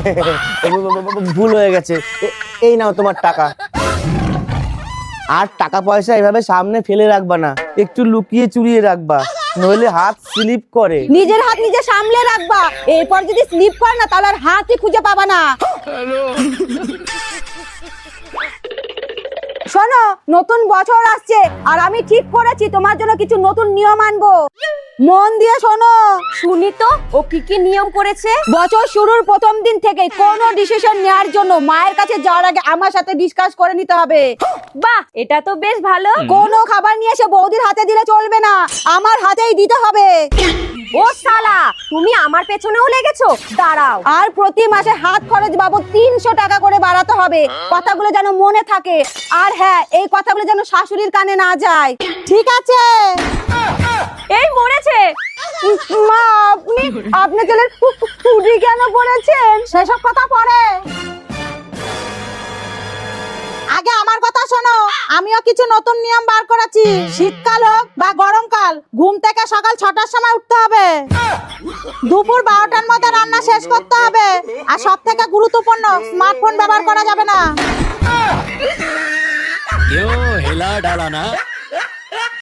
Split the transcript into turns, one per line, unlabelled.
ভুল হয়ে গেছে, এই নাও তোমার টাকা। আর টাকা পয়সা এভাবে সামনে ফেলে রাখবা না, একটু লুকিয়ে চুরিয়ে রাখবা, নইলে হাত স্লিপ করে।
নিজের হাত নিজে সামলে রাখবা, এরপর যদি স্লিপ করে না তাহলে আর হাতই খুঁজে পাবা না। শোনো, নতুন বছর আসছে আর আমি ঠিক করেছি তোমার জন্য কিছু নতুন নিয়ম আনবো। মন দিয়ে শোনো। শুনি তো, ও কি কি নিয়ম করেছে? বছর শুরুর প্রথম দিন থেকে কোনো ডিসিশন নেওয়ার জন্য মায়ের কাছে যাওয়ার আগে আমার সাথে ডিসকাস করে নিতে হবে। বাহ, এটা তো বেশ ভালো। কোনো খাবার নিয়ে এসে বৌদির হাতে দিলে চলবে না, আমার হাতেই দিতে হবে। ও শালা, তুমি আমার পেছনেও লেগেছো? দাঁড়াও। আর প্রতি মাসে হাত খরচ বাবদ 300 টাকা করে বাড়াতে হবে। কথাগুলো যেন মনে থাকে, আর হ্যাঁ, এই কথাগুলো যেন শাশুড়ির কানে না যায়। ঠিক আছে? এই মরেছে। মা, আপনি আপনার ছেলের টুটি কেন পড়েছেন? সেসব কথা পরে। আগে আমার কথা শোনো, আমিও কিছু নতুন নিয়ম বার করেছি। শীতকাল হোক বা গরমকাল, ঘুম থেকে সকাল 6টার সময় উঠতে হবে, দুপুর 12টার মধ্যে রান্না শেষ করতে হবে, আর সব থেকে গুরুত্বপূর্ণ, স্মার্টফোন ব্যবহার করা যাবে না।
क्यों हिला डाला ना?